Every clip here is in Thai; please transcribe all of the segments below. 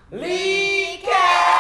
รีแค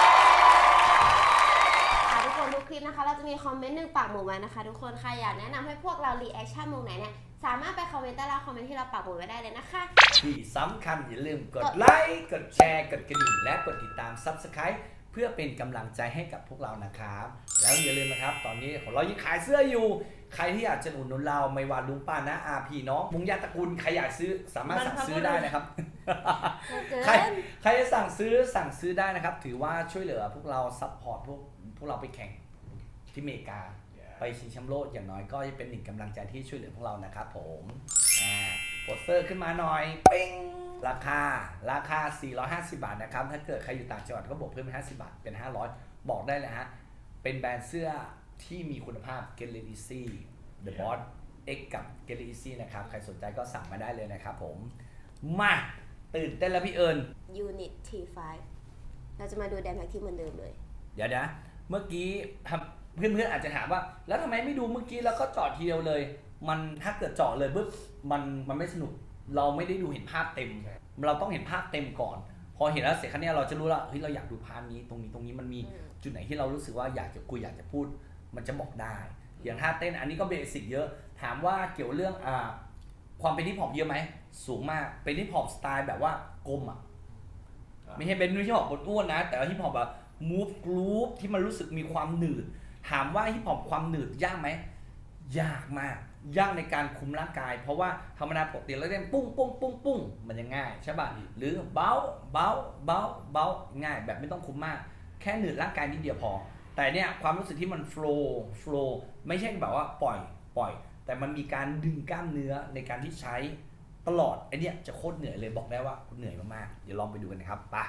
ปทุกคนทุกคลิปนะคะเราจะมีคอมเมนต์1 ปากหมุดไว้นะคะทุกคนใครอยากแนะนำให้พวกเรารีแอคชั่นมุมไหนเนี่ยสามารถไปคอมเมนต์ใต้ล่างคอมเมนต์ที่เราปักหมุดไว้ได้เลยนะคะที่สำคัญอย่าลืมกดไลค์กดแชร์กดกระดิ่งและกดติดตาม Subscribe เพื่อเป็นกำลังใจให้กับพวกเรานะครับแล้วอย่าลืมนะครับตอนนี้ของเรายังขายเสื้ออยู่ใครที่อยากจะอุดหนุนเราไม่ว่าลุงป้านะอาพี่น้องมุงญาติตระกูลใครอยากซื้อสามารถสั่งซื้อได้นะครับ ใครจะสั่งซื้อได้นะครับถือว่าช่วยเหลือพวกเราซัพพอร์ตพวกเราไปแข่งที่อเมริกาไปชิงแชมป์โลกอย่างน้อยก็จะเป็นหนึ่งกำลังใจที่ช่วยเหลือพวกเรานะครับผมโปสเตอร์ขึ้นมาหน่อยปิ้งราคา450 บาทนะครับถ้าเกิดใครอยู่ต่างจังหวัดก็บวกเพิ่มเป็น50 บาทเป็น500บอกได้เลยฮะเป็นแบรนด์เสื้อที่มีคุณภาพ Get It Easy The Boss X กับ Get It Easy นะครับใครสนใจก็สั่งมาได้เลยนะครับผมมาตื่นเต้นแล้วพี่เอิญ Unit T5 เราจะมาดูแดนแพ็กที่เหมือนเดิมเลยเดี๋ยวนะเมื่อกี้เพื่อนๆอาจจะถามว่าแล้วทำไมไม่ดูเมื่อกี้แล้วก็เจาะทีเดียวเลยมันถ้าเกิดเจาะเลยปุ๊บมันไม่สนุกเราไม่ได้ดูเห็นภาพเต็มเราต้องเห็นภาพเต็มก่อนพอเห็นแล้วเสร็จครั้งนี้เราจะรู้แล้วเฮ้ยเราอยากดูพาร์ทนี้ตรงนี้มันมีจุดไหนที่เรารู้สึกว่าอยากจะคุยอยากจะพูดมันจะบอกได้อย่างท่าเต้นอันนี้ก็เบสิกเยอะถามว่าเกี่ยวเรื่องความเป็นฮิปฮอปเยอะไหมสูงมากเป็นฮิปฮอปสไตล์แบบว่ากลมไม่ใช่เป็นฮิปฮอปอ้วนนะแต่ว่าฮิปฮอปแบบมูฟกรูฟที่มันรู้สึกมีความหนืดถามว่าฮิปฮอปความหนืดยากไหมยากมากยากในการคุมร่างกายเพราะว่าธรรมดาปกติเราเล่นปุ้งมันยังง่ายใช่ป่ะหรือเบาง่ายแบบไม่ต้องคุมมากแค่หนืดร่างกายนิดเดียวพอแต่เนี่ยความรู้สึกที่มันโฟล์ไม่ใช่แบบว่าปล่อยแต่มันมีการดึงกล้ามเนื้อในการที่ใช้ตลอดไอเนี่ยจะโคตรเหนื่อยเลยบอกได้ว่าเหนื่อยมากๆเดี๋ยวลองไปดูกันนะครับไป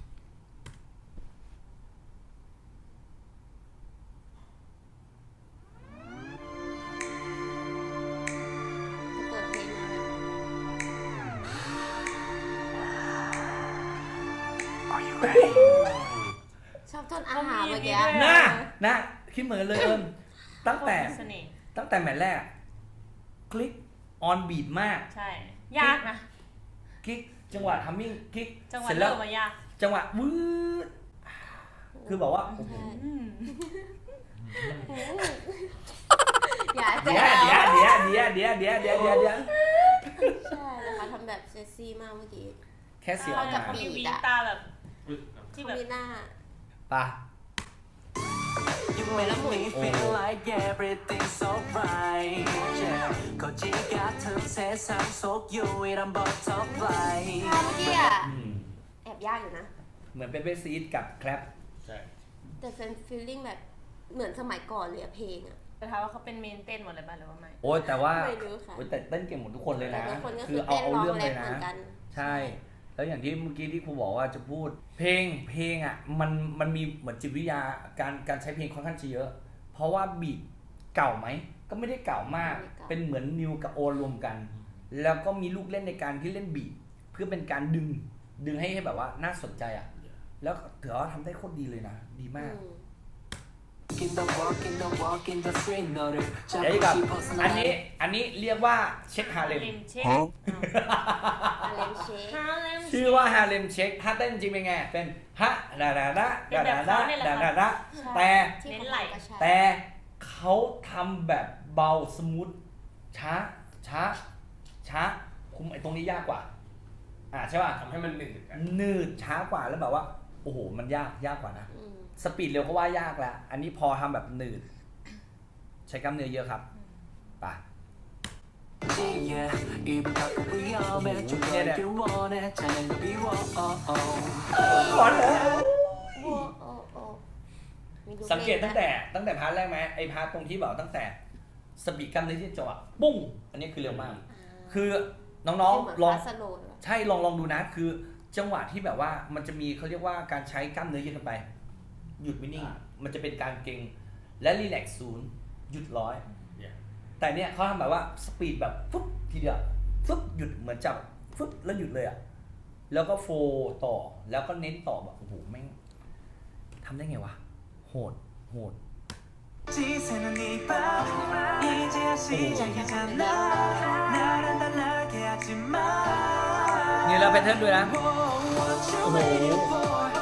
ชอบต้นอาหารเมื่อกี้นะคิดเหมือนเลยตั้งแต่แมตช์แรกคลิกออนบีทมากใช่ยากนะคลิกจังหวะทัมมิ่งคลิกจังหวะเริ่มมายากจังหวะวืดคือบอกว่าอย่าเดี๋ยวใช่นะคะทำแบบเซ็กซี่มากเมื่อกี้แค่เสียงกับบีบตาแบบที่แบบหน้าป่ะ You make me feel like everything's alright. Yeah, 거지 같은 세상 속 유일한 butterfly. เมื่อกี้อ่ะแอบยากอยู่นะเหมือนเป็นเบสซีดกับแคลปใช่แต่เป็นฟีลลิ่งแบบเหมือนสมัยก่อนเลยเพลงอ่ะแต่ถามว่าเขาเป็นเมนเต้นหมดเลยป่ะหรือว่าไม่โอ้ยแต่ว่าไม่รู้ค่ะแต่เต้นเก่งหมดทุกคนเลยนะคือเอาเรื่องเลยนะใช่ แล้วอย่างที่เมื่อกี้ที่ครูบอกว่าจะพูดเพลงอ่ะมันมีเหมือนจิตวิทยาการใช้เพลงค่อนข้างจะเยอะเพราะว่าบีทเก่าไหมก็ไม่ได้เก่ามากเป็นเหมือนนิวกับโอรวมกันแล้วก็มีลูกเล่นในการที่เล่นบีทเพื่อเป็นการดึงให้แบบว่าน่าสนใจอ่ะแล้วถือว่าทำได้โคตรดีเลยนะดีมากเดี๋ยวกับอันนี้เรียกว่าเช็คฮาเลมชื่อว่าฮาเลมเช็คถ้าเต้นจริงเป็นไงเป็นฮะดาแต่เขาทำแบบเบาสมูทช้าคุมไอ้ตรงนี้ยากกว่าใช่ป่ะทำให้มันหนืดช้ากว่าแล้วแบบว่าโอ้โหมันยากกว่านะสปีดเร็วก็ว่ายากแล้วอันนี้พอทำแบบหนืดใช้กล้ามเนื้อเยอะครับป่ะเนี่ยขอแล้วสังเกตตั้งแต่พาร์ทแรกไหมไอ้พาร์ทตรงที่บอกตั้งแต่สปีดกล้ามเนื้อที่จังหวะปุ้งอันนี้คือเร็วมากคือน้องๆลองใช่ลองดูนะคือจังหวะที่แบบว่ามันจะมีเขาเรียกว่าการใช้กล้ามเนื้อเยอะไปหยุดไม่นิ่งมันจะเป็นการเก่งและรีแลกซ์0หยุด100แต่เนี่ยเขาทำแบบว่าสปีดแบบฟึ๊บทีเดียวฟึ๊บหยุดเหมือนจับฟึ๊บแล้วหยุดเลยแล้วก็โฟต่อแล้วก็เน้นต่อแบบโอ้โหแม่งทำได้ไงวะโหดนี่แล้วแพทเทิร์นด้วยนะโอ้โห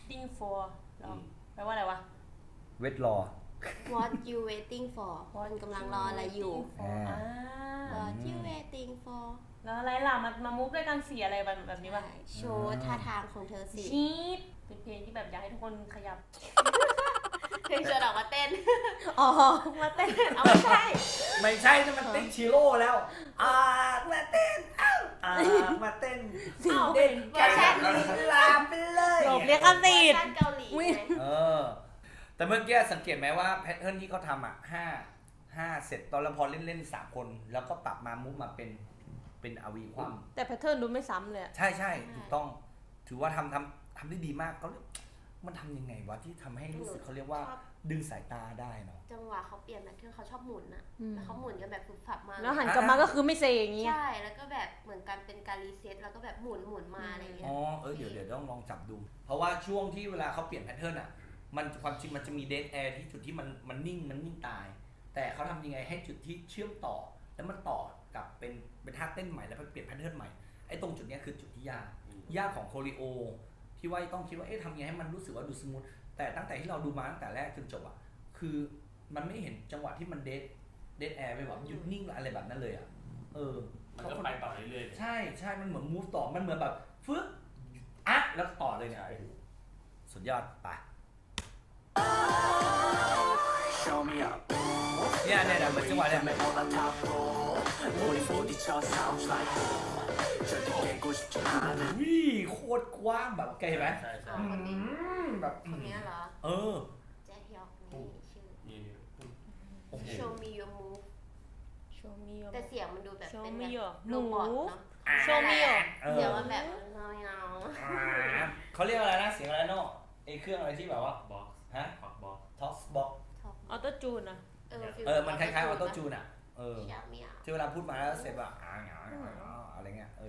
waiting for หรอแปลว่าอะไรวะเวทรอ What you waiting for มันกำลังรออะไรอยู่อ่า What you waiting for แล้วอะไรล่ะมามุกด้วยกันสีอะไรแบบนี้ป่ะโชว์ท่าทางของเธอสิชีดเป็นเพลงที่แบบอยากให้ทุกคนขยับเพลงชวนออกมาเต้นอ๋อ มาเต้นเอาไม่ใช่ไม่ใช่นั่นมันเต้นชิโร่แล้วมาเต้นมาเต้นสิ่งเด่นเวอร์ชันลามไปเลยหลบเรียกกันติดเวอร์ชันเกาหลีไงแต่เมื่อกี้สังเกตไหมว่าแพทเทิร์นที่เขาทำอ่ะห้าเสร็จตอนแล้วพอเล่น3 คนแล้วก็ปรับมามุกมาเป็นอาวีความแต่แพทเทิร์นดูไม่ซ้ำเลยใช่ถูกต้องถือว่าทำได้ดีมากเขามันทำยังไงวะที่ทำให้รู้สึกเขาเรียกว่าดึงสายตาได้เนาะจังหวะเขาเปลี่ยนแพทเทิร์นเขาชอบหมุนอะแล้วเขาหมุนกันแบบฟุบฟับมากแล้วหันกลับมาก็คือไม่เซอย่างงี้ใช่แล้วก็แบบเหมือนกันเป็นการรีเซ็ตแล้วก็แบบหมุนมาอะไรเงี้ยเดี๋ยวต้องลองจับดู เพราะว่าช่วงที่เวลาเขาเปลี่ยนแพทเทิร์นอ่ะมันความจริงมันจะมีเดดแอร์ที่จุดที่มันนิ่งตาย แต่เขาทำยังไงให้จุดที่เชื่อมต่อแล้วมันต่อกับเป็นท่าเต้นใหม่แล้วไปเปลี่ยนแพทเทิร์นใหม่ไอ้ตรงจุดนี้คือจุดที่ยากของโคริโอที่ว่าต้องคิดว่าทำยังไงให้มันรู้สึกว่าดูสมูทแต่ตั้งแต่ที่เราดูมาตั้งแต่แรกจนจบอ่ะคือมันไม่เห็นจังหวะที่มันเดดแอร์ไปแบบหยุดนิ่งอะไรแบบนั้นเลยอ่ะมันก็ไปต่อเรื่อยๆใช่มันเหมือนมูฟต่อมันเหมือนแบบฟึ๊บแล้วต่อเลยเนี่ยโอ้โหสุดยอดไป Show me up เนี่ยเหมือนจังหวะเนี่ย 올라타고 우리 부딪혀 sounds like boom 절대 깨고 싶지 않아 วิ่โคตรกว้างแบบแกเห็นไหมใช่อ๋อคนนี้แบบคนนี้เหรอ แจ็คฮยอกนี่ชื่อนี่โอ้โห Show me your move Show me your แต่เสียงมันดูแบบ Show เป็น me แบบ your โรบอทเนาะ Show me your เสียงมันแบบเงาเขาเรียกอะไรนะเสียงอะไรเนาะไอ้เครื่องอะไรที่แบบว่าบ็อกซ์ฮะบ็อกบ็อกซ์ท็อกบ็อกออโต้จูนอะมันคล้ายๆออโต้จูนอ่ะชาเมียที่เวลาพูดมาแล้วเสร็จแบบอะไรเงี้ย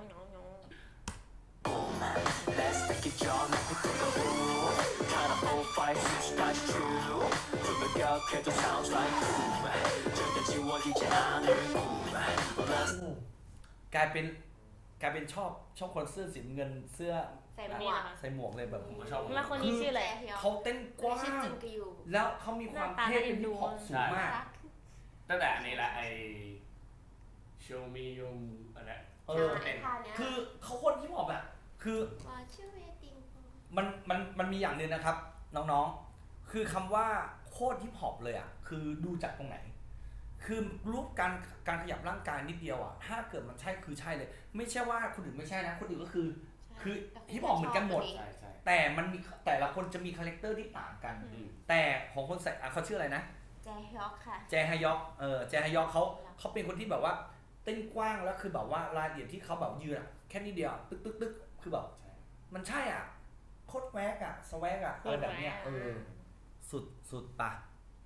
Let's take it John let me take a rule Kind of old fight since got you 조명 격해도 sounds like boom 절대 지워지지 않을 boom กลายเป็นชอบคนเสื้อสีเงินเสื้อใส่หมวกใส่หมวกเลยแบบผมก็ชอบแล้วคนนี้ชื่ออะไรแจ็คฮยอกเขาเต้นกว้าชื่อง จิงกยูแล้วเขามีความเท่เป็นฮิปฮอปสูงมากตั้งแต่อันนี้ละไอ show me your อันนี้คือเขาคนฮิปฮอปอ่ะคือ What you waiting for มันมีอย่างหนึ่งนะครับน้องๆคือคำว่าโคตรฮิปฮอปเลยอ่ะคือดูจากตรงไหนคือรูปการขยับร่างกายนิดเดียวอ่ะถ้าเกิดมันใช่คือใช่เลยไม่ใช่ว่าคนอื่นไม่ใช่นะคนอื่นก็คือฮิปฮอปเหมือนกันหมดใช่แต่มันมีแต่ละคนจะมีคาแรคเตอร์ที่ต่างกัน แต่ของคนใส่เขาชื่ออะไรนะแจ็คฮยอกค่ะแจฮยอกแจฮยอกเขาเป็นคนที่แบบว่าเต้นกว้างแล้วคือแบบว่ารายละเอียดที่เขาแบบยืนอ่ะแค่นิดเดียวตึกคือแบบมันใช่อ่ะโคตรแวกอ่ะสแวกอ่ะแบบเนี้ยสุดปะ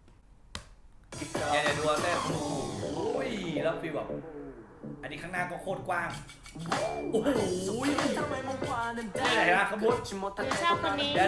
เนี่ยดูเต้นโอ้ยแล้วฟีลแบบอันนี้ข้างหน้าก็โคตรกว้างโอ้โหนี่ไหนนะขบวนชอบคนนี้เดี๋ยว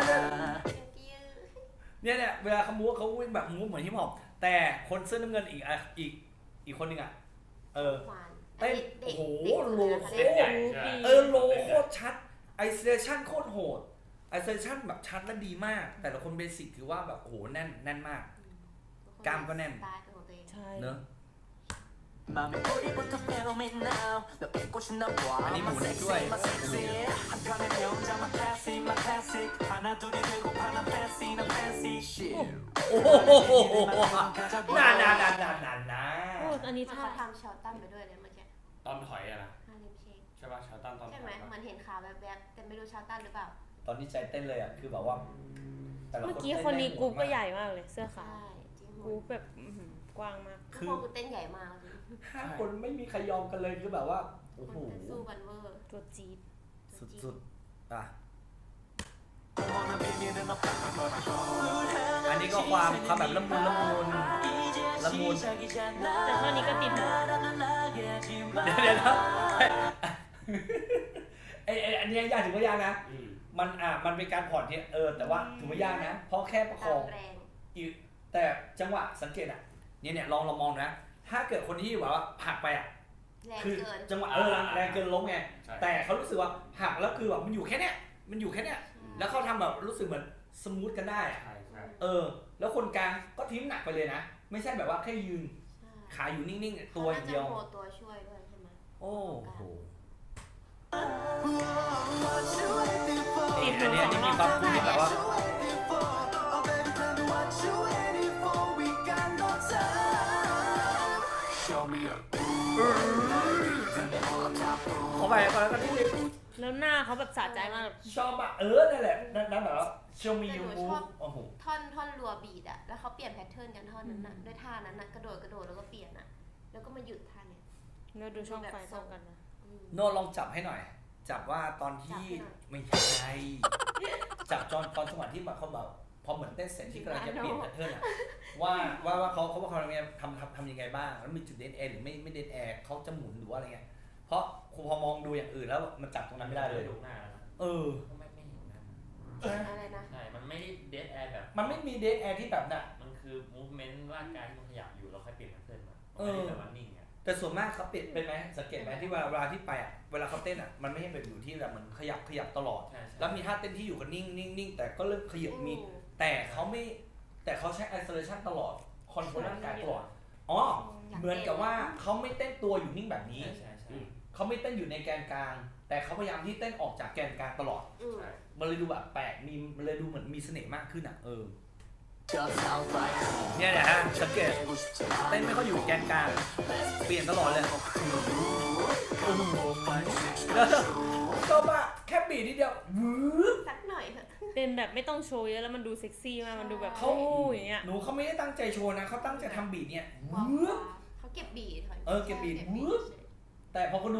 เนี่ยเวลาเขามูฟเขาวิ่งแบบมูฟเหมือนฮิปฮอปแต่คนเสื้อน้ำเงินอีกคนนึงอ่ะเต้นโอ้โหโลโคเส้นใหญ่ใช่โลโคตรชัดไอโซเลชั่นโคตรโหดไอโซเลชั่นแบบชัดและดีมาก แต่ละคนเบสิกถือว่าแบบโอ้โหแน่นมากกล้ามก็แน่นสไตล์ของตัวเองใช่เนอะ 맘에 뿌리부터 feel me now 너 뺏고 싶나 봐 아니, My 뭐네, sexy 좋아해. my sexy 한편의 명장 my classic my classic 하나 둘이 되고 파나 fancy 나 fancy shit โอ้โหนานโอ้อันนี้เขาท่าทำชอตตันไปด้วยเลยเมื่อกี้ตอนถอยอะนะฮาเลมเชคใช่ป่ะชาวตั้นตอนถใช่อยไหมเหมือนเห็นขาแวบๆแต่ไม่รู้ชอตตันหรือเปล่าตอนนี้ใจเต้นเลยอ่ะคือแบบว่าแต่ละเมื่อกี้ต้คนนี้ได้กรุ๊ปโหดก็มาใหญ่มากเลยเสื้อใช่ขาวจริงกรุ๊ปแบบกว้างมากทุกคนกูเต้นใหญ่มากเลย 5 คนไม่มีใครยอมกันเลยคือแบบว่าโอ้โหมันสู้กันเวอร์ตัวจี๊ดสุดอ่ะ 원한 비밀은 없다 อันนี้ก็ความแบบละมุน ละมุนแต่เท่านี้ก็ติดหูเดี๋ยวนะอันนี้ยากถือว่ายากนะอืมมันเป็นการผ่อนที่แต่ว่าถือว่ายากนะ เพราะแค่ประคตาอมงแรงแต่จังหวะสังเกตอ่ะเนี่ยลองมองนะ ถ้าเกิดคนที่แบบว่าหักไปอ่ะแรงคือเกินจังหวะแรงเกินล้มไงใช่แต่เขารู้สึกว่าหักแล้วคือแบบมันอยู่แค่เนี้ยแล้วเขาทำแบบรู้สึกเหมือนสมูทกันได้อะใช่ใช่แล้วคนกลางก็ทิ้งหนักไปเลยนะ ไม่ใช่แบบว่าแค่ยืนใช่ขาอยู่นิ่งๆตัวอย่างเดียวขาน่าจะโผล่ตัวช่วยด้วยใช่ไหมโอ้โหติดอันหูนี้สองมีรอบความคุ้มแบบว่า เขาไปก่อนแล้วก็นิดนึงแล้วหน้าเขาแบบสะใจมากชอบอ่ะนั่นแหละนั่นแบบว่าเชลมียูมูโอ้โหท่อนรัวบีดอะแล้วเขาเปลี่ยนแพทเทิร์นกันท่อนนั้นน่ะด้วยท่านั้นน่ะกระโดดแล้วก็เปลี่ยนอะแล้วก็มาหยุดท่าเนี้ยเราดูช่องไฟซ้อมกันนะโนลองจับให้หน่อย จับว่าตอนที่จับให้หน่อยไม่ใช่ จับตอนจังหวะที่แบบเขาแบบพอเหมือนเต้นเสร็จที่กำลังจะเปลี่ยนแพทเทิร์นอะว่าเขาทำยังไงบ้างแล้วมีจุดเด่นแอร์หรือไม่เด่นแอร์เขาจะหมุนหรือว่าอะไรเงี้ยเพราะครูพอมองดูอย่างอื่นแล้วมันจับตรงนั้นไม่ได้เลยดูหน้าแล้วนะ ไม่เห็นนะอะไรนะใช่ มันไม่ได้เดทแอร์แบบมันไม่มีเดนแอร์ที่แบบน่ะมันคือ movement ร่างกายที่มันขยับอยู่แล้วค่อยเปลี่ยนแพทเทิร์นมาเออไม่ได้แบบว่านิ่งอ่ะแต่ส่วนมากเขาเปลี่ยนเป็นไหมสังเกตไหมที่เวลาที่ไปอ่ะเวลาเขาเต้นอ่ะมันไม่ใช่แบบอยู่ที่แบบเหมือนขยับตลอดใช่ใช่แล้วมีท่าเต้นที่อยู่กันนิ่งแต่ก็เริ่มขยับมี แต่เขาใช้ isolation ตลอดคอนโทรลร่างกายตลอดอ๋อเหมือนกับว่าเขาไม่เต้นตัวอยู่นิ่งแบบนี้ใช่ใช่เขาไม่เต้นอยู่ในแกนกลาง แต่เขาพยายามที่เต้นออกจากแกนกลางตลอดใช่มันเลยดูแบบแปลกมันเลยดูเหมือนมีเสน่ห์มากขึ้นอ่ะเนี่เนี่ยยฮะสังเกตเต้นไม่ค่อยอยู่แกนกลางเปลี่ยนตลอดเลยแล้วก็ว่าแค่บีดนิดเดียววืบสักหน่อยเถอะเป็นแบบไม่ต้องโชว์เยอะแล้วมันดูเซ็กซี่มากมันดูแบบเขาโอ้ยอย่างเงี้ยหนูเขาไม่ได้ตั้งใจโชว์นะเขาตั้งใจทำบีดเนี่ยวางืบเขาเก็บบีดค่ะเก็บบีทวืบ แต่พอคนดู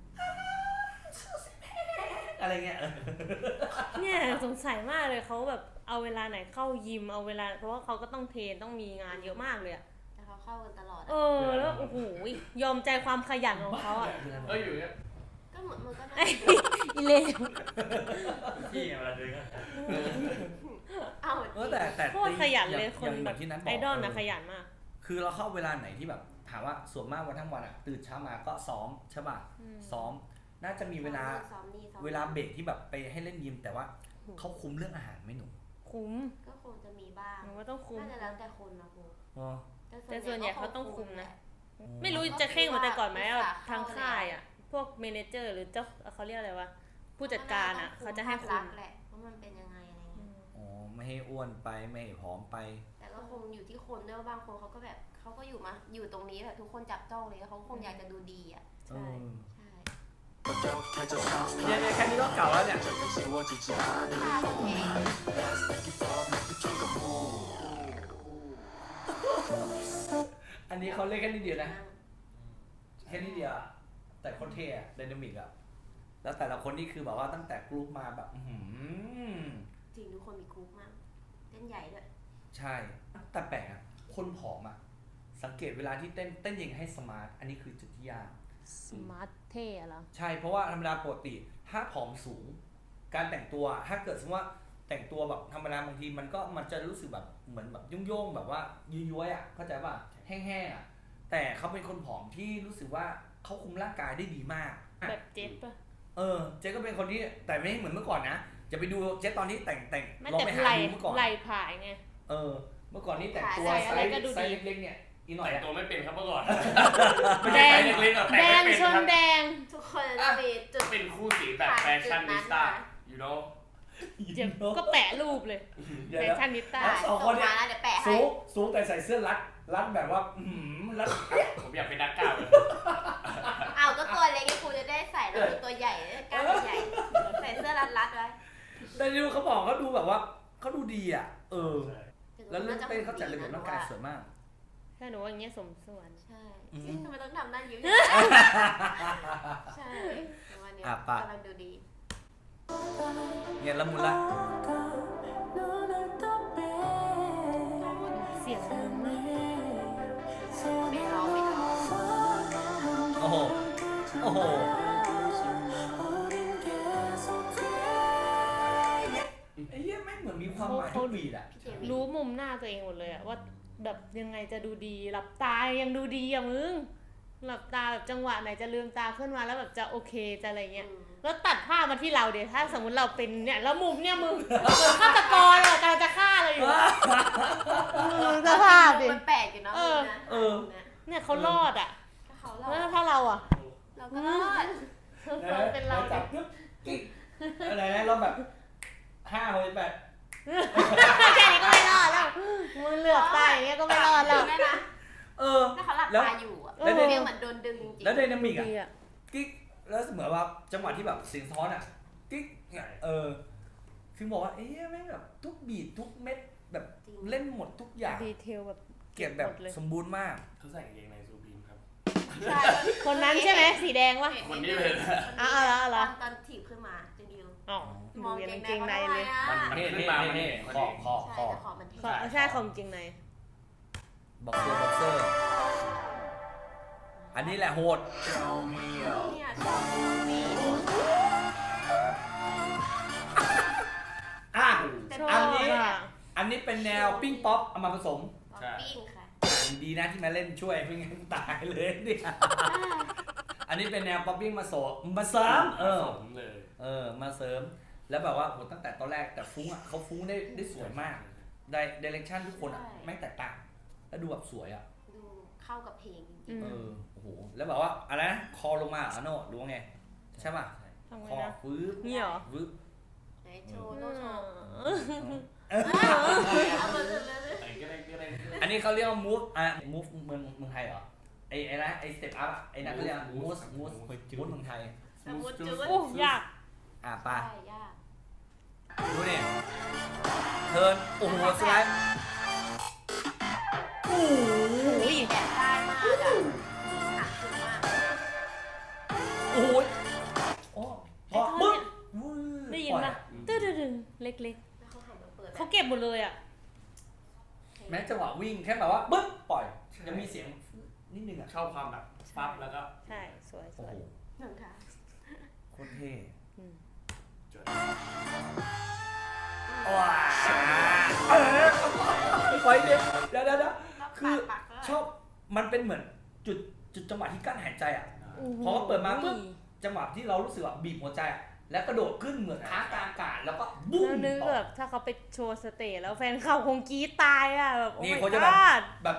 อะไรเงี้ยเนี่ยสงสัยมากเลยเขาแบบเอาเวลาไหนเข้ายิมเอาเวลาเพราะว่าเขาก็ต้องเทรนต้องมีงานเยอะมากเลยอะแต่เขาเข้ากันตลอดเออแล้วโอ้โหยอมใจความขยันของเขาอะอยู่เนี่ยก็เหมือนมันก็น่าอีเลวที่เวลาเดินก็เอาแต่โคตรขยันเลยคนอย่างแบบที่นั้นบไอก ดอลนะขยันมากคือเราเข้าเวลาไหนที่แบบถามว่าส่วนมากวันทั้งวันอ่ะตื่นเช้ามาก็ซ้อมใช่ป่ะ ซ้อมน่าจะมีเวลาซ้อมนี่ซ้อมเวลาเบรกที่แบบไปให้เล่นยิมแต่ว่าเขาคุมเรื่องอาหารไหมหนูคุ้มก็คงจะมีบ้างหนูว่าต้องคุ้มน่าจะแล้วแต่คนนะครูอ๋อแต่ส่วนใหญ่เขาต้องคุมนะอ๋อไม่รู้จะเข่งเหมือนแต่ก่อนไหมอะทางค่ายอะพวกเมเนเจอร์หรือเจ้าเขาเรียกอะไรวะผู้จัดการอะเขาจะให้คุมแหละว่ามันเป็นยังไงอะไรเงี้ยอ๋อไม่ให้อ้วนไปไม่ให้ผอมไปแต่ก็คงอยู่ที่คนด้วยว่าบางคนเขาก็แบบเขาก็อยู่ตรงนี้แบบทุกคนจับจ้องเลยเขาคงอยากจะดูดีอ่ะใช่ใช่เนี่ยแค่นี้ก็เก่าแล้วเนี่ยท่าเพลงอันนี้เขาเล่นแค่นิดเดียวนะ แค่นิดเดียวอะแต่คนเท่อะไดนามิกอะแล้วแต่ละคนนี่คือแบบว่าตั้งแต่กรุ๊ปมาแบบจริงทุกคนมีกรุ๊ปมากเต้นใหญ่ด้วยใช่ แต่แปลกอะคนผอมอะสังเกตเวลาที่เต้นยังไงให้สมาร์ท อันนี้คือจุดที่ยากสมาร์ทเท่เหรอใช่ เพราะว่าธรรมดาปกติถ้าผอมสูง การแต่งตัว ถ้าเกิดสมมติว่าแต่งตัวแบบธรรมดาบางทีมันจะรู้สึกแบบเหมือนแบบโย่งๆแบบว่าย้วยๆอะเข้าใจป่ะ แห้งๆอะแต่เขาเป็นคนผอมที่รู้สึกว่าเขาคุมร่างกายได้ดีมากแบบเจ็บปะเจ๊ก็เป็นคนที่แต่ไม่เหมือนเมื่อก่อนนะจะไปดูเจ๊ตอนที่แต่งไม่ลองแต่ไปหาไหลดูเมื่อก่อนไหลผายไงเมื่อก่อนนี่แต่งตัวใส่ไซอะไรก็ดูส์ดีเล็กๆเนี่ยอีหน่อยแต่งอะตัวไม่เป็นครับเมื่อก่อนแดงเล็กๆอะแต่แดไม่งเป็นชคน รับแดงทุกคนจะมีจุดเป็นคู่สีแบบแฟชั่นนิสต้า you know เจ็บก็แปะรูปเลยเดี๋ยวแฟนะชั่นนิต้าสองคนเนี่ยส่มาแล้วเดี๋ยวแปะให้สูงแต่ใส่เสื้อรัดแบบว่ารัดผมอยากเป็นนักก้าวเลยอ้าวก็ตัวเล็กไงครูจะได้ใส่แล้วมีตัวใหญ่กล้ามใหญ่ใส่เสื้อรัดๆไว้แต่ดูเขาบอกเขาดูแบบว่าเขาดูดีอ่ะแล้วเรื่องถึเต้นเขาจัดระเบียบร่างกายสวยมากถ้าหนูว่าอย่างเงี้ยสมส่วนใช่อืมทำไมต้องทำหน้ายิ้มใช่วันนี้ปะกำลังดูดีเนี่ยละมุนละเสียงดีมากไม่ร้องโอ้โหไอ้เหี้ยแม่งเหมือนมีความหมายทุกบีดอ่ะพี่เจวิรู้มุมหน้าตัวเองหมดเลยอะว่าแบบยังไงจะดูดีหลับตายังดูดีอะมึงหลับตาแบบจังหวะไหนจะลืมตาขึ้นมาแล้วแบบจะโอเคจะอะไรเงี้ยอืมแล้วตัดภาพมาที่เราเดี๋ยวถ้าสมมติเราเป็นเนี่ยแล้วมุมเนี่ยมึงเหมือนฆาตกรอะกำลังจะฆ่าเราอยู่สภาพดิมันแปลกอยู่เนาะมุมนะเนี่ยเขารอดอ่ะถ้าเขารอแล้วดถ้าเราอ่ะเราก็รอดเป็นเราจับปึ๊บกิ๊กอะไรนะเราแบบ5 6 8 แค่นี้ก็ไม่รอดแล้วมือเหลือบตายอย่างเงี้ยก็ไม่รอดแล้วได้นะเออถ้าเขาหลับตาอยู่อ่ะแล้วเฟี้ยงเหมือนโดนดึงจริงๆแล้วไดนามิกดีอ่ะอ่ะกิ๊กแล้วเหมือนว่าจังหวะที่แบบเสียงท้อนอ่ะกิ๊กเนี่ยคือบอกว่าแม่งแบบทุกบีททุกเม็ดแบบเล่นหมดทุกอย่างดีเทลแบบเก็บแบบหมดเลยสมบูรณ์มากเขาใส่กางเกงในซูพีมครับใช่คนนั้นใช่ไหมสีแดงวะคนนี้เลยนะอ๋อเหรอตอนถีบขึ้นมาจะดิวอ๋อมองดูเกยังงเกงในในเขาเลยทำไมอ่ะมันนี่ขึ้นนี่มานี่มันนี่เห็นคอใช่แต่ขอมันเท่ใช่ของจริงในบ็อกเซอร์อันนี้แหละโหดเนี่ยชอบมีอ่ะชอบอันนี้อ่ะอันนี้เป็นแนวปิ้งป๊อปเอามาผสมปิ้งค่ะดีนะที่มาเล่นช่วยไม่งั้นตายเลยเนี่ยอันนี้เป็นแนวป๊อปปิ้งมาเสริมผสมเลยมาเสริมแล้วแบบว่าโหตั้งแต่ตอนแรกแต่ฟุ้งอ่ะเขาฟุ้งได้สวยมากได้เดเรคชั่นทุกคนอ่ะแม่งแตกต่างแล้วดูแบบสวยอ่ะดูเข้ากับเพลงจริงโอ้โหแล้วแบบว่าอะไรนะคอลงมาอ่ะโน่รู้ไงใช่ป่ะทำไงคอนะฟื้นนี่เหรอฟื้นๆไหนโชว์โน้ตโชว์เออเอามือเลยไอ้ก็ได้อันนี้เขาเรียกว่า move move เมืองไทยเหรอไอ้นะไอ้ step up อ่ะไอ้นั่นเขาเรียก move เมืองไทยสมุดจุดโอ้ยากไปใช่ยากดูนี่เทิร์นโอ้โหสไลด์โอ้โหแบบได้มากอ่ะหาคือมากโอ้โหโอ้พอปึ๊บได้ยินปะตื้อดึงเล็กแล้วเขาหันมาเปิดๆเขาเก็บหมดเลยอ่ะแม้จังหวะวิ่งแค่แบบว่าปึ๊บปล่อยยังมีเสียงนิดนึงอ่ะชอบความแบบปั๊บแล้วก็ใช่สวยโอ้โหหนึ่งค่ะโคตรเท่จดว้าปล่อยเดี๋ยวคือชอบมันเป็นเหมือนจุดจังหวะที่กั้นหายใจอ่ะ พอเปิดมาปุ๊บ จังหวะที่เรารู้สึกว่าบีบหัวใจอ่ะแล้วกระโดดขึ้นเหมือนค้างกลางอากาศแล้วก็บุ้มแล้วนึกต่อแบบถ้าเขาไปโชว์สเตจแล้วแฟนเขาคงกรี๊ดตายอ่ะแบบโอ้นี่ my เขาจะแบบ god แบบ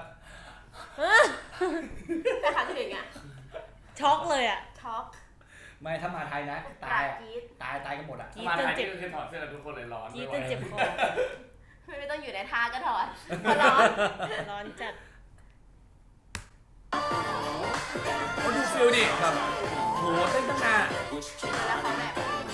แต่ขาถึงอ่ะช็อกเลยอ่ะช็อกไม่ถ้ามาไทยนะปตาลายอ่ะกรีดตายกันหมดอ่ะกรี๊ดมาจนไทยเจ็นี่บก็คือถอดเสื้อกันทุกคนเลยร้อนกรี๊ดไม่จไหวนเจ็บคอไม่ต้องอยู่ในท่าก็ถอดพอร้อนร้อนจัดเขาดูฟิลดิแบบโหเต้นตั้งนานแล้วเขาแบบ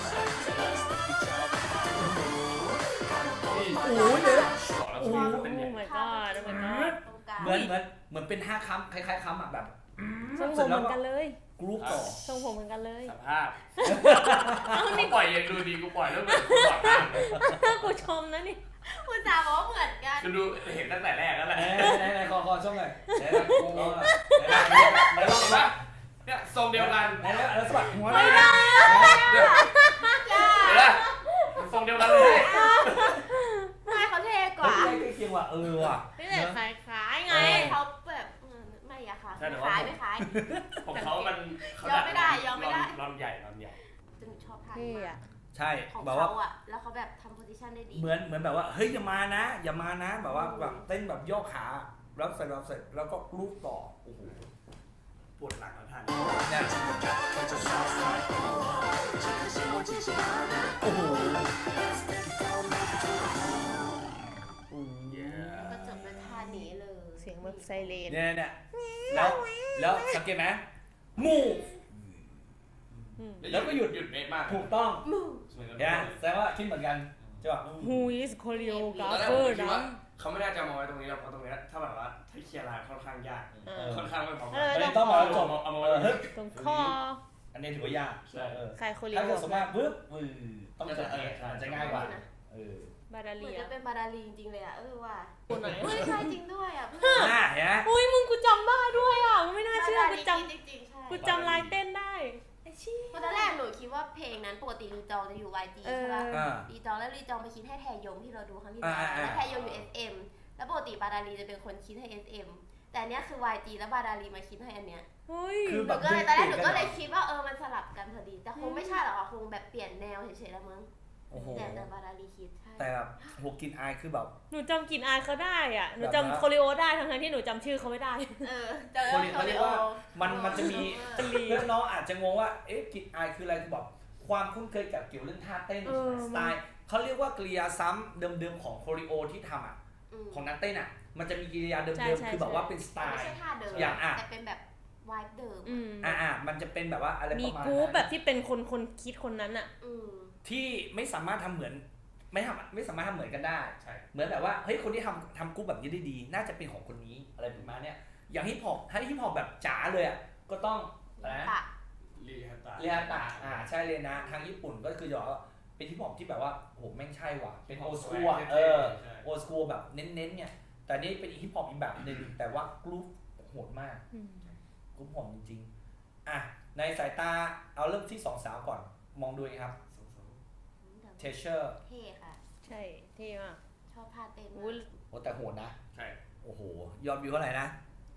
โอ้ยเดี๋ยวบอกแล้วโอ้คือเขาเป็นอย่าง my god โอ้ my god ตรงกลางเหมือนเป็น5 คำคล้ายๆคำอ่ะแบบทรงผมเหมือนกันเลยกรุ๊ปต่อทรงผมเหมือนกันเลยสภาพกูปล่อยยังดูดีกูปล่อยแล้วเหมือนกูปล่อยข้างกูชมนะนี่คุณจ๋าบอกว่าเหมือนกันคือดูเห็นตั้งแต่แรกแล้วแหละไหนคอช่องหน่อยไหนกูไหนลองเห็นปะเนี่ยทรงเดียวกันไหนแล้วสะบัดหัวไม่ได้เนี่ยเห็นปะทรงเดียวกันเลยไม่เขาเท่กเฮ้ยว่าใกล้เคียงว่ะว่ะนี่แต่คล้ายๆไงเขาแบบไม่อะค่ะไม่คล้ายไม่คล้ายของเขามันเขายอมไม่ได้ยอมไม่ได้รอนใหญ่รอนใหญ่จนชอบท่าเท่นี้มาอะกใช่ของแบบว่าเขาอะแล้วเขาแบบทำโพซิชันได้ดีเหมือนแบบว่าเฮ้ยอย่ามานะแบบว่าแบบเต้นแบบย่อขาแล้วเสร็จแล้วก็กรุ๊ปต่อโอ้โหปวดหลังแล้วท่านเนี่ยโอ้โหก็จบด้วยท่านี้เลยเสียงแบบไซเรนเนี่ยแล้วสังเกตไหมมู แล้วก็หยุดเป๊ะมากถูกต้องมูเนี่ยแสดงว่าคิดเหมือนกันใช่ป่ะ Who is choreographer ตอนแรกผมคิดนะว่าเขาไม่น่าจะมาไว้ตรงนี้หรอกเพราะตรงนี้ถ้าแบบว่าถ้าเคลียร์ลายค่อนข้างยาก ค่อนข้างไม่พอไม่ต้องมาจบเอามาไว้ตรงนี้ตรงคออันนี้ถือว่ายากใช่ใครโคเรียถ้าโอเกิดสมมติปึ๊บต้องจะมันจะง่ายกว่าบาดาเหมืเลีอนยจะเป็นบาดาลีจริงๆเลยอะว่าคนไหนเฮ้ยใช่จริงด้วยอะน่าเห็นไหมอุ้ยมึงกูจำได้ด้วยอ่ะมึงไม่น่าเชื่อกูจจริงๆใช่ำกูจำลายเต้นได้ไอ้ชี้เพราะตอนแรกหนูคิดว่าเพลงนั้นปกติรีจองจะอยู่ YG ใช่ป่ะ รีจองแล้วรีจองไปคิดให้แทยงที่เราดูครั้งที่แล้วแล้วแทยงอยู่ SM แล้วปกติบาดาลีจะเป็นคนคิดให้ SM แต่แต่อันเนี้ยคือ YG แล้วบาดาลีมาคิดให้อันเนี้ยเฮ้ยคือหแบนูบก็เลยตอนแรกหนูเปลี่ยนกันก็เหรอเลยคิดว่ามันสลับกันพอดี แต่คงไม่ใช่หรอกค่ะคงแบบเปลี่ยนแนวเฉยๆแล้วมั้งโอ้โหแต่บาดาลีคิดใช่แต่แบบโหกลินอายคือแบบหนูจำกลิ่นอายเขาได้อ่ะหนูแบบว่าจำโคริโอได้ทั้งๆที่หนูจำชื่อเขาไม่ได้เจอเขาเรียกว่ามันจะมีเออเพื่อนน้องอาจจะงงว่าเอ๊ะกลินอายคืออะไรคือแบบความคุ้นเคยกับเกี่ยวเรื่องท่าเต้นเออสไตล์เขาเรียกว่ากริยาซ้ำเดิมๆของโคริโอที่ทำอ่ะของนักเต้นอ่ะมันจะมีกิริยาเดิมๆคือแบบว่าเป็นสไตไม่ล์ใช่ท่าเดิมอย่างอ่ะแต่เป็นแบบวายเดิมอืมมันจะเป็นแบบว่าอะไรมีประมาณกรุ๊ปนั้นแบบที่เป็นคนคิดคนนั้นอ่ะที่ไม่สามารถทำเหมือนไม่สามารถทำเหมือนกันได้ใช่เหมือนแบบว่าเฮ้ยคนที่ทำกรุ๊ปแบบนี้ได้ดี น่าจะเป็นของคนนี้อะไรประมาณเนี้ยอย่างฮิปฮอปถ้าฮิปฮอปแบบจ๋าเลยอ่ะก็ต้องอะไรนะปะรีฮัตตาเรียนตะใช่เลยนะทางญี่ปุ่นก็คือจะบอกว่าเป็นฮิปฮอปที่แบบว่าโหแม่งใช่ว่ะเป็นโอสคูลโอสคูลแบบเน้นๆเนี่ยแต่นี่เป็นฮิปฮอปอีกแบบหนึ่งแต่ว่ากรุ๊ปโหดมากกรุ๊ปโหดจริงๆอ่ะในสายตาเอาเริ่มที่สองสาวก่อนมองดูไงครับเทเชอร์เท่ค่ะใช่เท่มากชอบท่าเต้นอุ้ยโอ้แต่โหดนะใช่โอ้โหยอดวิวเท่าไหร่นะ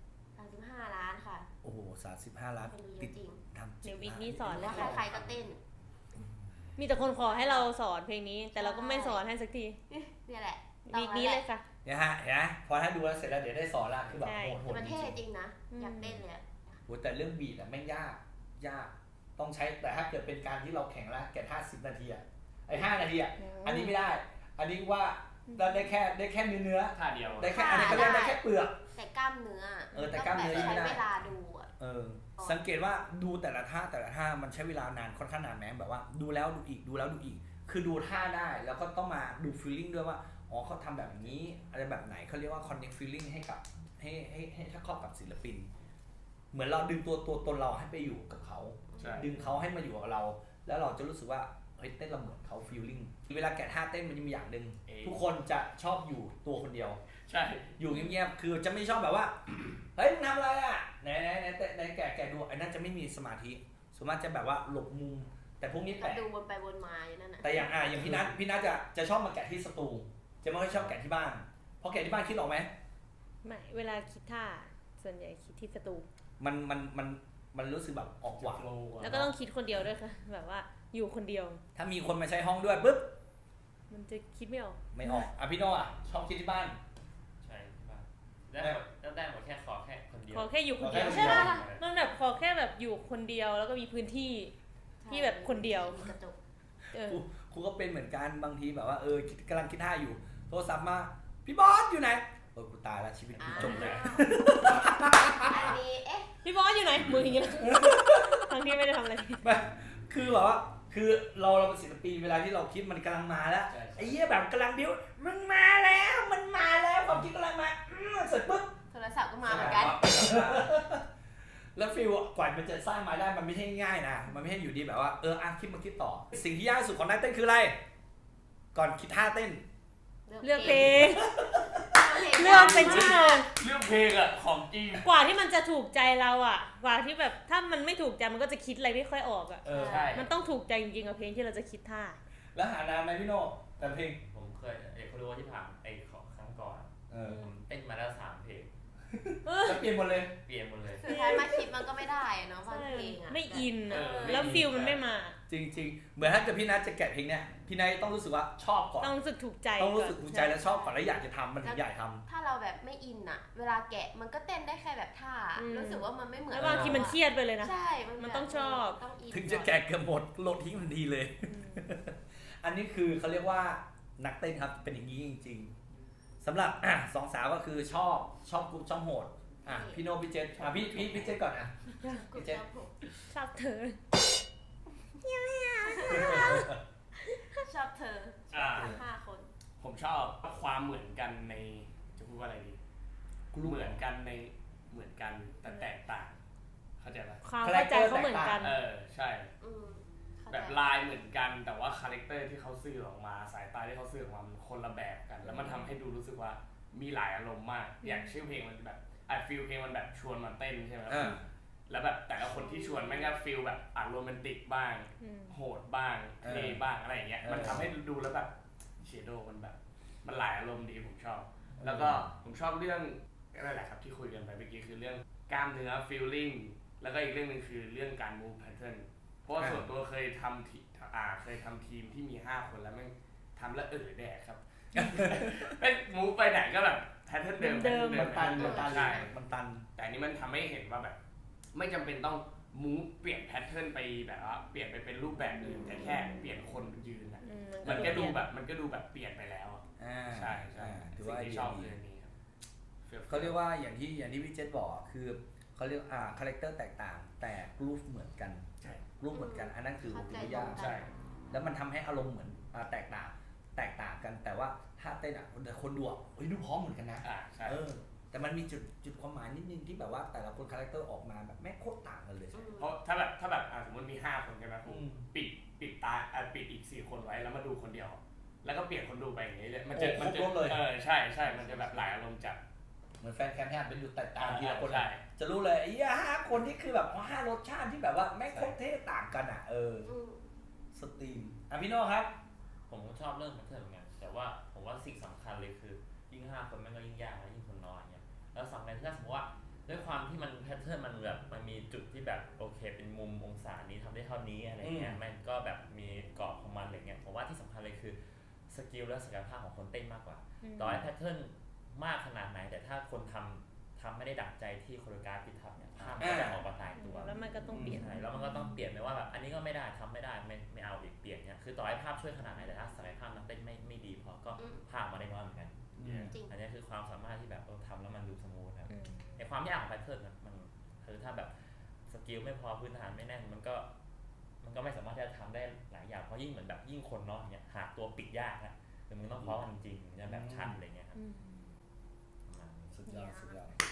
35 ล้านค่ะโอ้โห35 ล้านคนดูเยติดอะจริงทำเดี๋ยววีคนี้สอนเลยว่าค่ะใครๆก็เต้นมีแต่คนขอให้เราสอนเพลงนี้ แต่เราก็ไม่สอนให้สักทีเนี่ยแหละวีคนี้เลยค่ะเนี่ยฮะเห็นไหมพอถ้าดูแล้วเสร็จแล้วเดี๋ยวได้สอนละคือแบบใช่โหดแต่มันจเท่ริงจริงนะอืมอยากเต้นเลยอะๆโหแต่เรื่องบีทอะแม่งยากต้องใช้แต่ถ้าเกิดเป็นการที่เราแข่งแล้วแก่50 นาทีอะไอ้5 นาทีอะอันนี้ไม่ได้ อันนี้ว่าได้แค่เนื้อท่าเดียวได้แค่อันนี้ก็เรียกได้แค่เปลือกแต่กล้ามเนื้อแต่กล้ามเนื้อต้องไม่แบบได้ใช้เวลาดูอะสังเกตว่าดูแต่ละท่ามันใช้เวลานานค่อนข้างนานแม้แบบว่าดูแล้วดูอีกดูแล้วดูอีก คือดูท่าได้แล้วก็ต้องมาดู feeling ด้วยว่าอ๋อเขาทำแบบนี้อะไรแบบไหนเขาเรียกว่า connect feeling ให้กับให้ถ้าเข้ากับศิลปิน เหมือนเราดึงตัวตนเราให้ไปอยู่กับเขาใช่ดึงเขาให้มาอยู่กับเรา แล้วเราจะรู้สึกว่าเฮ้ยเต้นเราเหมือนเขา feeling เวลาแกะท่าเต้นมันจะมีอย่างหนึ่งทุกคนจะชอบอยู่ตัวคนเดียวใช่อยู่เงียบๆ คือจะไม่ชอบแบบว่า เฮ้ยมึงทำอะไรอ่ะไหนแกะดูไอ้นั่นจะไม่มีสมาธิส่วนมากจะแบบว่าหลบมุม แต่พวกนี้ก็แปลกดูวนไปวนมาอย่างนั้นน่ะแต่อย่างพี่นัทจะชอบมาแกะที่สตู จะไม่ค่อยชอบแกะที่บ้าน เพราะแกะที่บ้านคิดออกไหมไม่เวลาคิดท่าส่วนใหญ่คิดที่สตูมันรู้สึกแบบออกหวานแล้วก็ต้องคิดคนเดียวด้วยค่ะ แบบว่าอยู่คนเดียวถ้ามีคนมาใช้ห้องด้วยปุ๊บมันจะคิดไม่ออกไม่ออกอ่ะพี่โน่อ่ะชอบคิดที่บ้านใช่ที่บ้านได้หมดแค่ขอแค่คนเดียวขอแค่อยู่คนเดียวขอแค่ใช่ปะคนเดียวมันแบบขอแค่แบบอยู่คนเดียวแล้วก็มีพื้นที่ ที่แบบคนเดียวมีกระจกครูก็เป็นเหมือนกันบางทีแบบว่ากำลังคิดท่าอยู่โทรศัพท์มาพี่บอสอยู่ไหนกูตายแล้วชีวิตกูจบเลยอันนี้เอ๊ะพี่บอสอยู่ไหนมืออย่างเงี้ย ทั้งที่ไม่ได้ทำอะไรไม่คือแบบว่าคือเราเป็นศิลปินเวลาที่เราคิดมันกำลังมาแล้วใช่ไอ้เหี้ยแบบกำลังบิ้วมันมาแล้วความคิดกำลังมาเสร็จปุ๊บโทรศัพท์ก็มาเหมือนกันแล้วฟีลกว่ามันจะสร้างมาได้มันไม่ใช่ง่ายนะมันไม่ใช่อยู่ดีแบบว่าคิดมาคิดต่อ สิ่งที่ยากที่สุดของนักเต้นคืออะไร ก่อนคิดท่าเต้นเลือกเพลง เลือกเป็นชั่วโมงเรื่องเพลงอะของจริงกว่าที่มันจะถูกใจเราอ่ะ กว่าที่แบบถ้ามันไม่ถูกใจมันก็จะคิดอะไรไม่ค่อยออกอ่ะใช่มันต้องถูกใจจริงๆกับเพลงที่เราจะคิดท่าแล้วหานานไหมพี่โน่แต่เพลงผมเคยเขารู้ว่าที่ผ่านของครั้งก่อน ผมเต้นมาแล้ว3 เพลงจะเปลี่ยนหมดเลยเปลี่ยนหมดเลยสุดท้ายมาคิดมันก็ไม่ได้อะเนาะบางเพลงอะไม่อินอ่ะเออแล้วฟิลมันไม่มาจริงๆ เหมือนถ้าเกิดพี่นัทจะแกะเพลงเนี้ยพี่นัทต้องรู้สึกว่าชอบก่อนต้องรู้สึกถูกใจต้องรู้สึกถูกใจและชอบก่อนแล้วอยากจะทำมันถึงอยากทถ้าเราแบบไม่อินอะเวลาแกะมันก็เต้นได้แค่แบบท่า รู้สึกว่ามันไม่เหมือนแล้วบางทีมันเครียดไปเลยนะใช่มันต้องชอบต้องอินำถึงจะแกะเกือบหมดโหลดทิ้งทันทีเลย อันนี้คือเขาเรียกว่านักเต้นครับเป็นอย่างนี้จริงๆสำหรับสองสาวก็คือชอบกรุ๊ปชอบโหดพี่โน่พี่เจษพี่เจษก่อนพี่เจษชอบเธอชอบเธออ่า 5 คนผมชอบความเหมือนกันในจะพูดว่าอะไรดีเหมือนกันแต่แตกต่าง เข้าใจปะความเข้าใจเขาเหมือนกันใช่เข้าใจแบบลายเหมือนกันแต่ว่าคาแรคเตอร์ที่เขาสื่อออกมาสายตาที่เขาสื่อออกมามันคนละแบบกัน แล้วมันทำให้ดูรู้สึกว่ามีหลายอารมณ์มาก อย่างชื่อเพลงมันแบบฟีลเพลงมันแบบชวนมาเต้นใช่ไหมแล้วแบบแต่ละคนที่ชวนแม่งก็ฟีลแบบโรแมนติกบ้างโหดบ้างเท่บ้างอะไรอย่างเงี้ยมันทำให้ดูแล้วแบบเชโดมันแบบมันหลายอารมณ์ดีผมชอบ แล้วก็ผมชอบเรื่องก็นั่นแหละครับที่คุยกันไปเมื่อกี้คือเรื่องกล้ามเนื้อ feeling แล้วก็อีกเรื่องหนึงคือเรื่องการ move pattern เพราะว่าส่วนตัวเคยทำทีมที่มี5คนแล้วแม่งทำแล้วแดกครับ แม่ง move ไปไหนก็แบบ pattern เดิมมันตันใช่มันตันแต่อันนี้มันทำให้เห็นว่าแบบ ไม่จำเป็นต้อง move เปลี่ยน pattern ไปแบบว่าเปลี่ยนไปเป็นรูปแบบอื่นแต่แค่เปลี่ยนคนยืนอะมันก็ดูแบบเปลี่ยนไปแล้วอะใช่ถือสิ่ว่างที่ชอบคืออันนี้ครับเขาเรียกว่าอย่างที่พี่เจษบอกคือเขาเรียกคาแรคเตอร์แตกต่างแต่รูปเหมือนกันใช่รูปเหมือนกันอันนั้นคือเข้าใจยากตรงกันใช่แล้วมันทำให้อารมณ์เหมือนแตกต่างกันแต่ว่าถ้าเต้นแต่คนดูดูพร้อมเหมือนกันนะใช่แต่มันมีจุดความหมายนิดนึงที่แบบว่าแต่ละคนคาแรคเตอร์ออกมาแบบแม่งโคตรต่างกันเลยเพราะถ้าแบบสมมติมี5คนใช่ไหมผมปิดตาปิดอีก4คนไว้แล้วมาดูคนเดียว แล้วก็เปลี่ยนคนดูไปอย่างนี้เลยมันจะใช่มันจะแบบหลายอารมณ์จัดเหมือนแฟนแคมป์เป็นดูแตกต่างทีละคนใช่จะรู้เลยไอ้5คนที่คือแบบ5รสชาติที่แบบว่าแม่งโคตรเท่ต่างกันสตรีมพี่โน่ครับผมก็ชอบเรื่องแพทเทิร์นเหมือนกันแต่ว่าผมว่าสิ่งสำคัญเลยคือยิ่ง5คนมันก็ยิ่งยากและยิ่งคนน้อยเนี่ยแล้วสำคัญที่ถ้าสมมติว่าด้วยความที่มันแพทเทิร์นมันแบบมันมีจุดที่แบบโอเคเป็นมุมองศานี้ทำได้เท่านี้อะไรเงี้ยมันก็แบบมีกรอบของมันอะไรเงี้ยผมว่าที่สำคัญเลยคือสกิลและศักยภาพของคนเต้นมากกว่าต่อให้แพทเทิร์นมากขนาดไหนแต่ถ้าคนทำไม่ได้ดั่งใจที่โคโรกราฟที่ทำเนี่ยภาพมันก็จะออกมาตายตัวแล้วมันก็ต้องเปลี่ยนใช่แล้วมันก็ต้องเปลี่ยนไม่ว่าแบบอันนี้ก็ไม่ได้ทำไม่ได้ไม่เอาอีกเปลี่ยนเนี่ยคือต่อให้ภาพช่วยขนาดไหนแต่ถ้าศักยภาพนักเต้นไม่ดีพอก็ภาพมาได้น้อยเหมือนกันจริงอันนี้คือความสามารถที่แบบทำแล้วมันดูสมูทครับในความยากของแพทเทิร์นมันคือถ้าแบบสกิลไม่พอพื้นฐานไม่แน่นมันก็ไม่สามารถที่จะทำได้หลายอย่างเพราะยิ่งเหมือนแบบยิ่งคนเนาะเนี่ยหาตัวปิดยากนะคือมึงต้องพร้อมจริงๆจะแบบชัดอะไรเงี้ยครับสุดยอด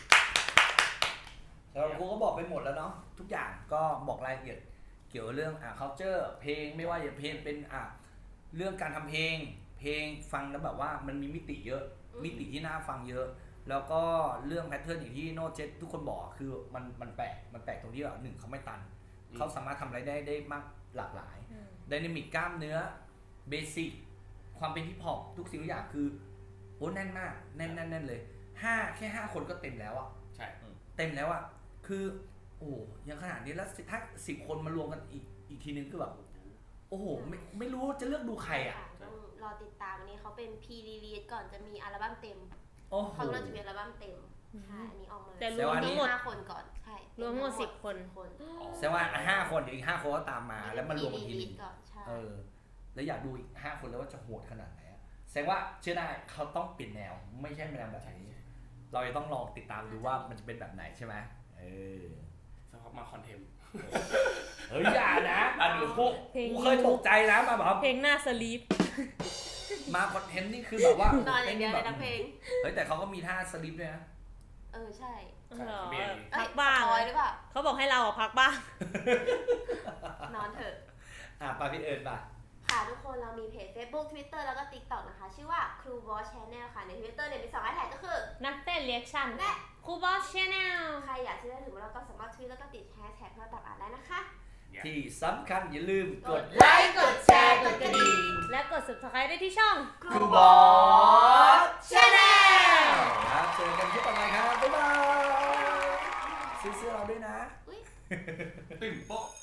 แล้วครูก็บอกไปหมดแล้วเนาะทุกอย่างก็บอกรายละเอียดเกี่ยวกับเรื่องculture เพลงไม่ว่าจะเพลงเป็นเรื่องการทำเพลงฟังแล้วแบบว่ามันมีมิติเยอะมิติที่น่าฟังเยอะแล้วก็เรื่องแพทเทิร์นอย่างที่โน้ตเจษทุกคนบอกคือมันแปลกตรงที่แบบ1เขาไม่ตันเขาสามารถทำอะไรได้มากหลากหลายไดนามิกกล้ามเนื้อเบสิกความเป็นฮิปฮอปทุกสิ่งทุกอย่างคือโอ้แน่นมากแน่นเลยแค่5คนก็เต็มแล้วอ่ะใช่เต็มแล้วอ่ะคือโอ้ยังขนาดนี้แล้วถ้า10 คนมารวมกันอีกทีนึงคือแบบโอ้โหไม่รู้จะเลือกดูใครอ่ะต้องรอติดตามอันนี้เขาเป็นพีรีลีสก่อนจะมีอัลบั้มเต็มโอ้โหเขาเราจะมีอัลบั้มเต็มใช่อันนี้ออกมาแต่รวมทั้งหมด 5 คนก่อนใช่รวมทั้งหมด10 คนแสดงว่า5 คนเดี๋ยวอีก5 คนก็ตามมาแล้วมันรวมกันทีนึงก่อนใช่แล้วอยากดูอีก5 คนแล้วว่าจะโหดขนาดไหนอะแสดงว่าเชื่อได้เขาต้องเปลี่ยนแนวไม่ใช่แนวแบบนี้เราจะต้องลองติดตามดูว่ามันจะเป็นแบบไหนใช่ไหมสักพักมาคอนเทนต์เฮ้ยอย่านะดูพวกเพลงกูเคยตกใจนะมาแบบเพลงหน้าสลีปมาคอนเทนต์นี่คือแบบว่านอนอย่างเดียวเลยนะเพลงเฮ้ยแต่เขาก็มีท่าสลิปด้วยนะใช่พักบ้างคอยหรือเปล่าเขาบอกให้เราพักบ้างนอนเถอะปาพี่เอิญป่ะค่ะทุกคนเรามีเพจ Facebook Twitter แล้วก็ TikTok นะคะ ชื่อว่า Crew Boss Channel ค่ะ ใน Twitter เนี่ยมี2 แท็กก็คือนักเต้นเรียกชั่นและครูบอสชาแนลใครอยากที่จะถึงเราก็สามารถทวีตแล้วก็ติดแฮชแท็กเพื่อตามอ่านได้นะคะที่สำคัญอย่าลืมกดไลค์กดแชร์กดกระดิ่งและกด subscribe ได้ที่ช่อง Crew Boss Channel ครับเจอกันที่ต่อไปครับบ๊ายบายซื้อเสื้อเราด้วยนะอุ๊ยตึ้งโป๊ะ